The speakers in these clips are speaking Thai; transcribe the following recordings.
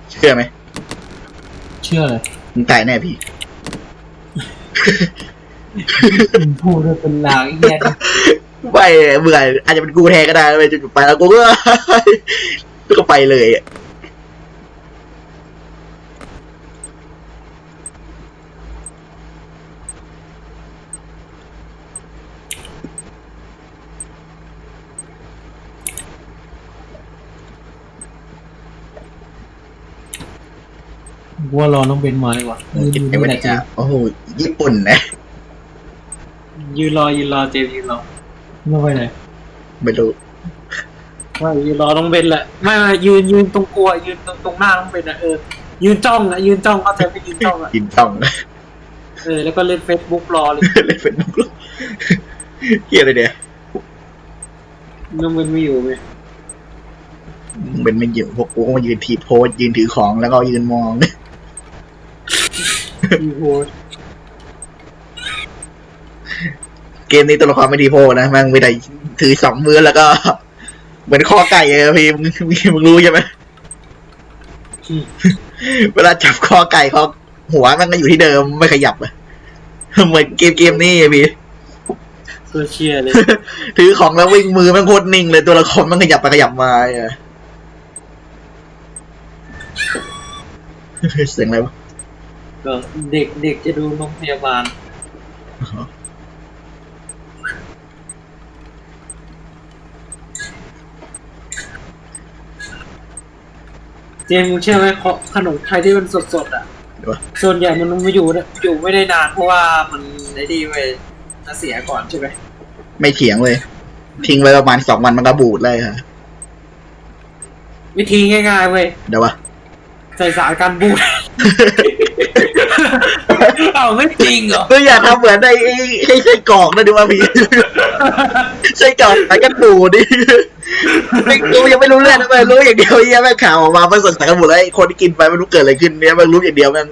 เชื่อไหมเชื่อเลยมึงตายแน่พี่พูดเป็นลางแย่ไม่เบื่ออาจจะเป็นกูแทนก็ได้ไปจนไปแล้วกูก็ไปเลยว่ารอน้องเบนมาดีกว่าไอ้วันนี้โอ้โหญี่ปุ่นนะยืนรอเจมยืนรอไม่ไปไหนไม่รู้ว่ายืนรอน้องเบนแหละไม่ยืนตรงกลัวยืนตรงหน้าน้องเบนอ่ะยืนจ้องเข้าใจไม่ยืนจ้องอ่ะยืนจ้องแล้วก็เล่น Facebook รอเลยเล่นเฟซบุ๊กเฮียอะไรเนี่ยน้องเบนไม่อยู่ไหมเป็นไม่อยู่พวกกูก็มายืนทีโพสยืนถือของแล้วก็ยืนมองเกมนี้ตัวละครไม่ดีโพนะมันไม่ได้ถือ2 มือแล้วก็เหมือนคอไก่เลยพี่มึงรู้ใช่ไหมเวลาจับคอไก่เขาหัวมันก็อยู่ที่เดิมไม่ขยับอะเหมือนเกมนี้พี่เชียเลยถือของแล้ววิ่งมือมันโคตรนิ่งเลยตัวละครมันขยับไปขยับมาเสียงอะไรวะก็เด็กจะดูโรงพยาบาลเจมเชื่อไหมขนมไทยที่มันสดๆอ่ะส่วนใหญ่มันไม่อยู่ไม่ได้นานเพราะว่ามันได้ดีไปจะเสียก่อนใช่ไหมไม่เถียงเลยทิ้งไว้ประมาณ2 วันมันก็บูดเลยค่ะวิธีง่ายๆเว้ยเดี๋ยววะใส่สารกันบูดเอาไม่จริงเหรอก็อย่าทำเหมือนให้ไส้กรอกนะดิว่าพี่ไส้กรอกสารกันบูดดิกูยังไม่รู้เรื่องนะมันรู้อย่างเดียวแม่ข่าวออกมามันสดสารกันบูดแล้วคนที่กินไปไม่รู้เกิดอะไรขึ้นเนี่ยมันรู้อย่างเดียวมัน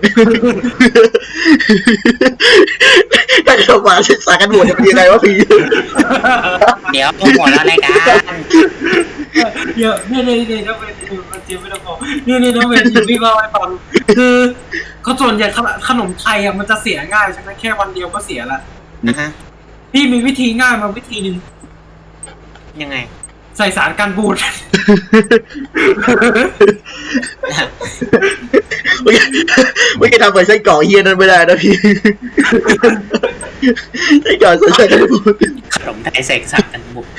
ถ้าเกิดมาสารกันบูดจะเป็นยังไงวะพี่เดี๋ยวหมดแล้วรายการเยอะเนี่ยต้องเป็นเจียไม่ต้องบอกเนี่ยต้องเป็นพี่ว่าไว้ฟังคือเขาส่วนใหญ่ขนมไทยอ่ะมันจะเสียง่ายใช่ไหมแค่วันเดียวก็เสียละนะฮะพี่มีวิธีง่ายมาวิธีหนึ่งยังไงใส่สารกันบูดไม่เคยทำเหมือนไส้กรอกเฮียนั่นไม่ได้นะพี่ไส้กรอกใส่กันบูดขนมไทยใส่สารกันบูด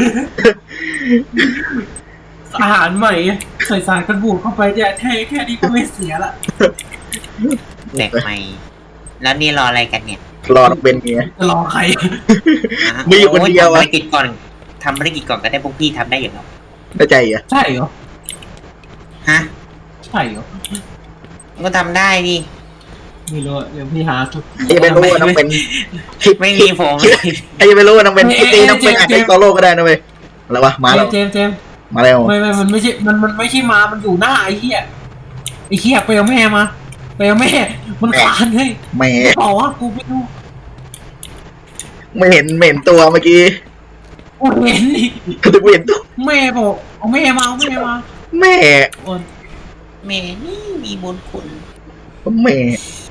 อาหารใหม่ใส่สารกันบูดเข้าไปเนี่ยแค่นี้ก็ไม่เสียละเด็กใหม่แล้วนี่รออะไรกันเนี่ยรอเป็นเงี้ยรอใครไม่อยู่คนเดียวทำภารกิจก่อนก็ได้พวกพี่ทำได้อย่างไรได้ใจอ่ะใช่เหรอฮะใช่เหรอก็ทำได้ดิไม่รู้เดี๋ยวพี่หาทุกไม่รู้ว่าต้องเป็นไม่มีผมยังไม่รู้ว่าต้องเป็นตีต้องเป็นอาจจะโซโล่ก็ได้นะเว้ยอะไรวะมาแล้วเจมมาแล้วไม่มันไม่ใช่มันไม่ใช่มันอยู่หน้าไอ้เหี้ยไปเอาแม่มาไปเอาแม่มันขานให้แม่บอกว่ากูไม่รู้ไม่เห็นตัวเมื่อกี้กูเห็นดิกูเห็นตัวแม่บอกเอาแม่มาแม่นี่มีบุญคุณแม่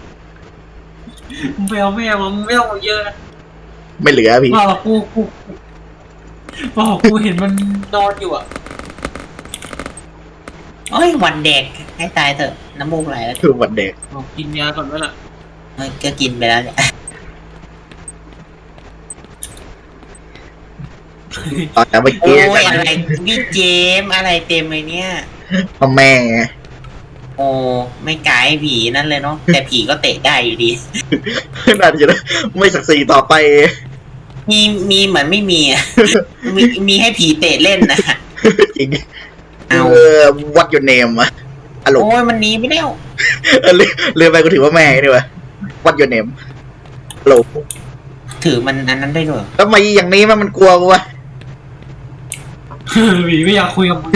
ไปเอาแม่มาไม่ต้องเยอะไม่เหลือพี่บอกกูเห็นมันนอนอยู่อ่ะเอ้ยวันเด็กให้ตายเถอะน้ำมูกไหลแล้วคือวันเด็กกินยาก่อนไหมล่ะก็กินไปแล้วเนี่ยแต่เมื่อกี้อะไรพี่เจมอะไรเต็มเลยเนี่ยพ่อแม่โอ้ไม่กลายผีนั่นเลยเนาะแต่ผีก็เตะได้อยู่ดีน่าจะไม่ศักดิ์ศรีต่อไปมีเหมือนไม่มีมีให้ผีเตะเล่นนะจริงวัดยูเนมอะโอ้ยมันนี้ไม่ได้เรือไปก็ถือว่าแม่ดีวะวัดยูเนมโหลถือมันอันนั้นได้ด้วยทำไมอย่างนี้มันกลัวกูวะหวีไม่อยากคุยกับมึง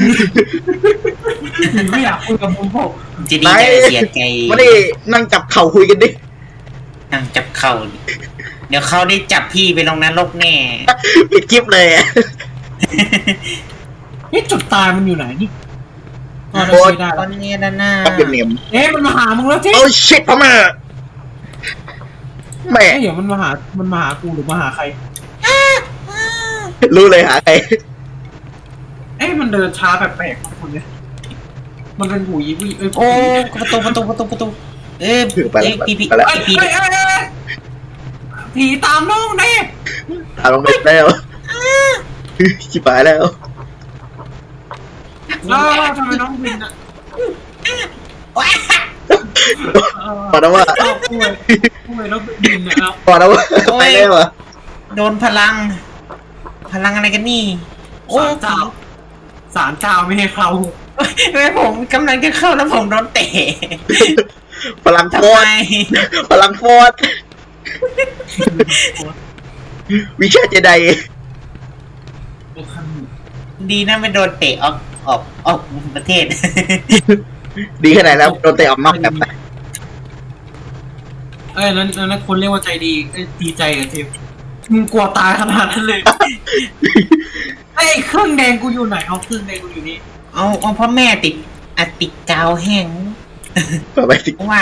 ไม่อยากคุยกับมึงพวกจะดีใจเสียใจมาดินั่งจับเข่าคุยกันดินั่งจับเข่าเดี๋ยวเขาได้จับพี่ไปลงนรกแน่ปิดคลิปเลยจุดตายมันอยู่ไหนนี่อ๋อโอ๊ยได้ตแล้อวนนี้ด้านหน้าต้องเป็นเนียมเอ๊ะมันมาหามึงแล้วเจ๊โอ้ชิตพ่อแม่แม่เอ๊ะเดี๋ยวมันมาหากูหรือมาหาใครรู้เลยหาใครเอ๊ะมันเดินช้าแปลกๆคนเนี้ยมันเป็นหูยีวีเอ้ยโอ้ประตูเอ้ยไปแล้วพี่ไปแล้วเอ้ยเอ้ยเอ้ยเอ้ยผีตามน้องเนี่ยตามลงไปแล้วชิบหายแล้วแล้วทำไมน้องบินอ่ะพอแล้วว่าเอาป่วยแล้วบินเนี่ยเอาพอแล้วว่าไปแล้วอ่ะโดนพลังอะไรกันนี่โอ้ศาลเจ้าไม่ให้เข้าแม่ผมกำลังจะเข้าแล้วผมโดนเตะพลังโฟทำไมดพลังโฟดวิชาเจไดดีนะไม่โดนเตะออกประเทศดีขนาดแล้วโดนเตะออกนอกแบบไปเอ้ยนั้นคนเรียกว่าใจดีดีใจกับเจมมึงกลัวตายขนาดนั้นเลยไอ้เครื่องแดงกูอยู่ไหนเอาเครื่องแดงกูอยู่นี่เอาพ่อแม่ติดกาวแห้งต่อไปสิวาง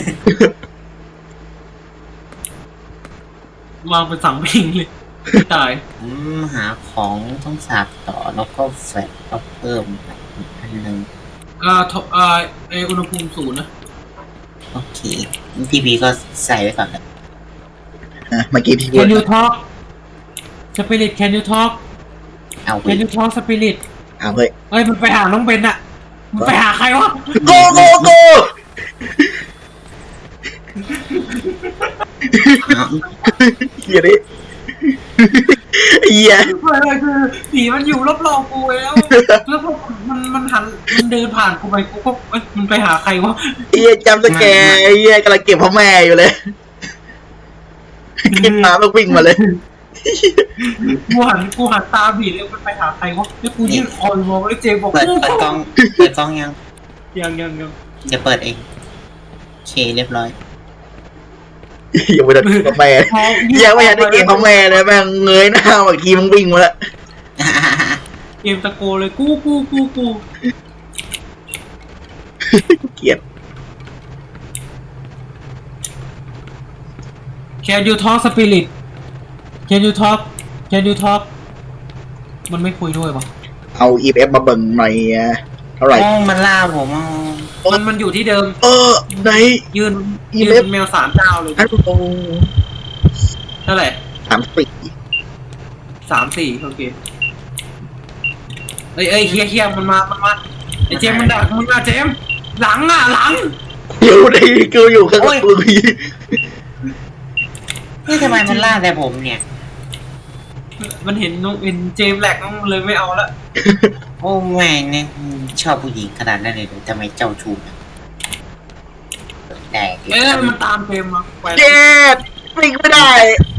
วางเป็นสังพิงเลยตายหาของต้องสาบต่อแล้วก็แฟลชแล้วเพิ่มอันหนึ่งอุณหภูมิศูนย์นะโอเคทีวีก็ใส่ไว้ก่อนเลยเมื่อกี้ที่พูด Can you talk Spirit Can you talk เอาไป Can you talk Spirit เอาเฮ้ยเอ้ยมันไปหาน้องเบนอะมันไปหาใครวะโกโกเฮียดิเฮียคือผีมันอยู่รอบๆกูแล้วแล้วพอมันหันมันเดินผ่านกูไปกูก็เอ้ยมันไปหาใครวะเฮียจำสแกร์เฮียกำลังเก็บพ่อแม่อยู่เลยขึ้นมาแล้ววิ่งมาเลยกูหันตาผีเลยมันไปหาใครวะแล้วกูยื่นคอยมองไอ้เจบอกเปิดกล้องยังยังจะเปิดเองโอเคเรียบร้อยยังไม่ได้เก็บพ่อแม่ยังไม่ได้เก็บพ่อแม่เลยแม่งเงยหน้าอีกทีมึงวิ่งมาแล้วเกมตะโกนเลยกูเกลียด Can you talk Spirit Can you talk มันไม่คุยด้วยปะเอา EF มาเบิ่งหน่อยเท่าไหร่โอ้มันล่าผมมันอยู่ที่เดิมไหนยืนแมวสามเจ้าเลยอันโตเท่าไหร่ 3 3-4โอเคเอ้ยเฮียมันมาไอ้เจมมันดักมึงอะเจมหลังอยู่ในกูอยู่ข้างหลังกูนี่ทำไมมันล่าแต่ผมเนี่ยมันเห็นเจมแหลกน้องเลยไม่เอาละโอ้แม่เนี่ยชอบผู้หญิงขนาดนั้นเลยเหรอทำไมเจ้าชู้นะได้เอ้ยมันตามเจมมาไปเจ็ดวิ่งไม่ได้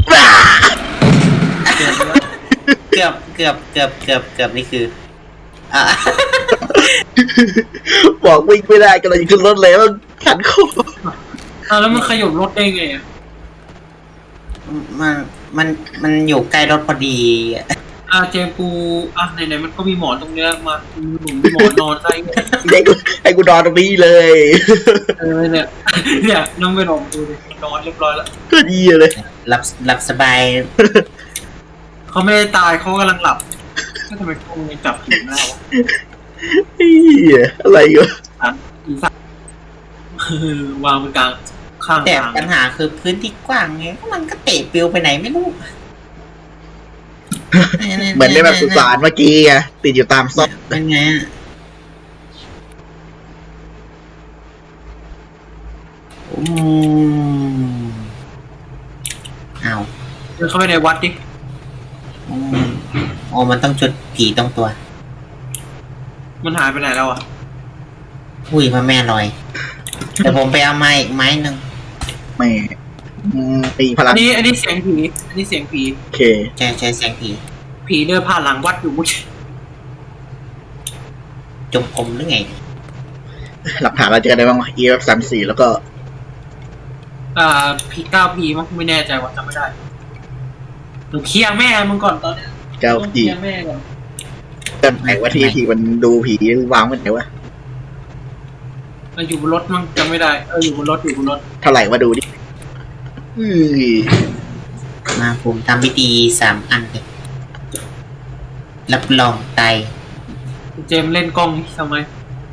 เกือบนี่คือบอกวิ่งไม่ได้กำลังจะขึ้นรถเลยมันขันคอแล้วมันขยบรถได้ไงอะมันอยู่ใกล้รถพอดีเจมกูไหนมันก็มีหมอนตรงเนี้ยมาหนุนหมอนนอนใส่ให้กูนอนตรงนี้เลยเนี่ยน้องไปลองดูดินอนเรียบร้อยแล้วก็ดีเลยหลับสบายเขาไม่ได้ตายเขากำลังหลับก็ทำไมเขายังจับผิดหน้าวะอะไรอยู่อีสัตว์วางบนกลางข้างแต่ทางปัญหาคือพื้นที่กว้างไงมันก็เตะปิวไปไหนไม่รู้เหมือนในแบบสุสานเมื่อกี้ไงติดอยู่ตามซอกเป็นไงเอาเดินเข้าไปในวัดดิโอ้มันต้องจุดผีตรงตัวมันหายไปไหนแล้วอ่ะอุ้ยพระแม่ลอยแต่ผมไปเอาไม้อีกไม้หนึ่งไม่ตีพลังอันนี้เสียงผีโอเคใช้แสงผีผีเดินผ่านหลังวัดอยู่มุ้ยจงกรมหรือไงหลักฐานเราเจอได้บ้างวะ EF 34แล้วก็ผี9 ผีมั้งไม่แน่ใจว่าจำไม่ได้หนูเคลียร์แม่มึงก่อนตอนเนี้ยเจ้าต้องเคผีลียร์แม่ก่อนเกินไหนว่าที่มันดูผีวางไว้ไหนวะอยู่บนรถมั้งจำไม่ได้อยู่บนรถเท่าไหร่มาดูดิอื้อมาผมทำพิธี3 อันเลยรับรองไตายเจมส์เล่นกล้องทำไม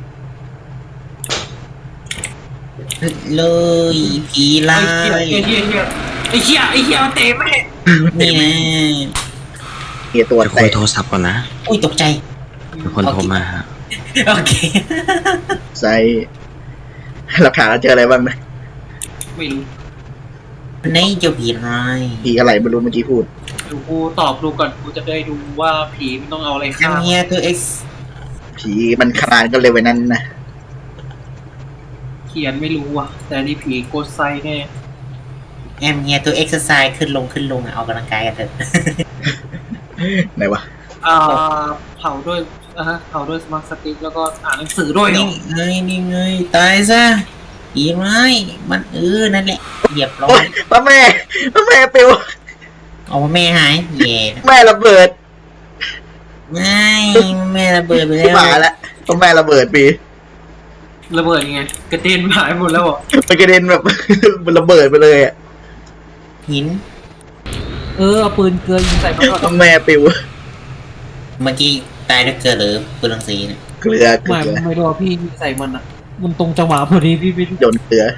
เลยผีไล่ไอ้เหี้ยมันเตะแม่นี่นะเฮียตัวจะคุแตยกโทรศัพท์ก่อนนะอุ้ยตกใจมีคนโทรมาฮะโอเคใส่หลักฐานเราเจออะไรบ้างนะไม่รู้นี่เจ้าผีไล่ผีอะไรไม่รู้เมื่อกี้พูดดูกูตอบดูก่อนกูจะได้ดูว่าผีมันต้องเอาอะไรแอฆ่ามเฮียตัวเอ็กซ์ผีมันขนาดกันเลยไว้นั้นนะเขียนไม่รู้อ่ะ แต่นี่ผีโกดไซแน่แอมเฮียตัวเอ็กซ์ไซส์ขึ้นลงอะเอากำลังกายกันเถอะไหนวะเผาด้วยเผาด้วยสมาร์ทสติ๊กแล้วก็อ่านหนังสือด้วยเหรอนี่ไงตายซะผีไล่มันนั่นแหละเรียบร้อโอ๊ยยพระแม่ปิวเอาแม่หายเย่แม่ระเบิดไม่แม่ระเบิดไปที่แล้วหมาแล้วพระแม่ระเบิดปีระเบิดยังไงกระเด็นหายหมดแล้วเหรอมันกระเด็นแบบ มันระเบิดไปเลยอ่ะหินเอาปืนเกลือยิงใส่มันก่อนพระแม่ปิวเมื่อกี้ตายด้วยเกลือหรือปืนรังสีเนี่ยเกลือไม่รู้พี่ใส่มันอ่ะมันตรงจังหวะพอดีพี่โยนเกลือ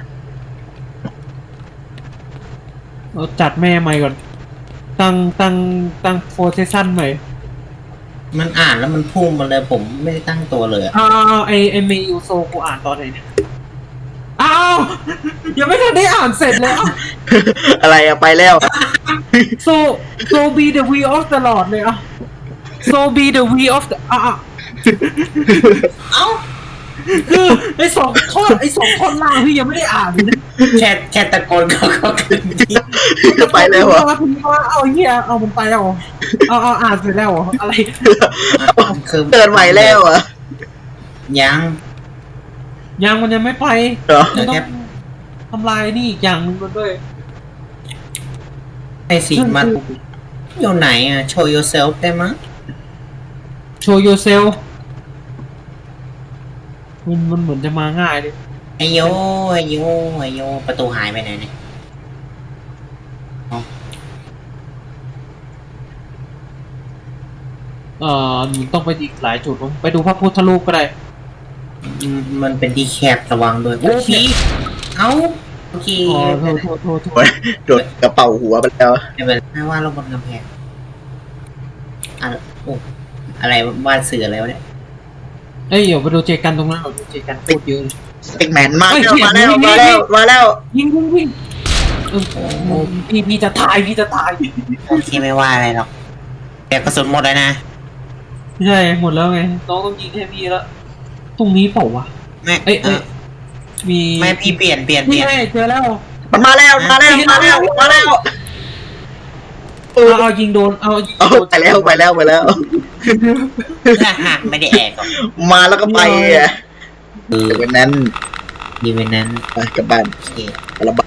เราจัดแม่ใหม่ก่อนตั้งโฟเซชั่นใหม่มันอ่านแล้วมันพุ่งมาเลยผมไม่ได้ตั้งตัวเลยอะไอเมยูโซกูอ่านตอนไหนเนี่ยยังไม่ทันได้อ่านเสร็จเลยอะไรอะไปแล้ว so be the we of the Lord เลยso be the we of the เอ้าคือไอสองท่อนล่างพี่ยังไม่ได้อ่านเลยนะแค่ตะโกนเขาขึ้นที่ไปแล้วเหรอเอาเหี้ยเอามันไปแล้วเหรอเอาอ่านเสร็จแล้วเหรออะไรคือเกิดใหม่แล้วเหรอ่ะยังยังมันยังไม่ไปเหรอมันต้องทำลายนี่อีกอย่างหนึงมันด้วยไอ้สีมันอยู่ไหนอ่ะ show yourself ได้มั้ย show yourself มันเหมือนจะมาง่ายเลยไอโยประตูหายไปไหนเนี่ยมันต้องไปอีกหลายจุดไปดูพระพุทธรูปก็ได้มันเป็นที่แคบระวังด้วยโอ้ผีเอ้าโอเคโทษโอ้ยโดดกระเป๋าหัวไปแล้วไม่เป็นไรว่าลงบนกำแพงอะไรวาดเสือแล้วเนี่ยเอ้ยเดี๋ยวไปดูเจกันตรงนั้นเราดูเจกันโคตรเยอะเลยสเต็กแมนมาแล้วยิงพี่จะตายโอเคไม่ว่าอะไรหรอกแต่กระสุนหมดแล้วนะใช่หมดแล้วไงน้องต้องยิงให้พี่แล้วตรงนี้เปล่าวะแม่เอ้ยมีไม่พี่เปลี่ยนนี่ไงเจอแล้วมันมาแล้วเอายิงโดนเอายิงโดนไปแล้วไม่ได้แอกหรอกมาแล้วก็ไปอ่ะคือวันนั้นดีเวนนั้นไปกลับบ้านโอเคระ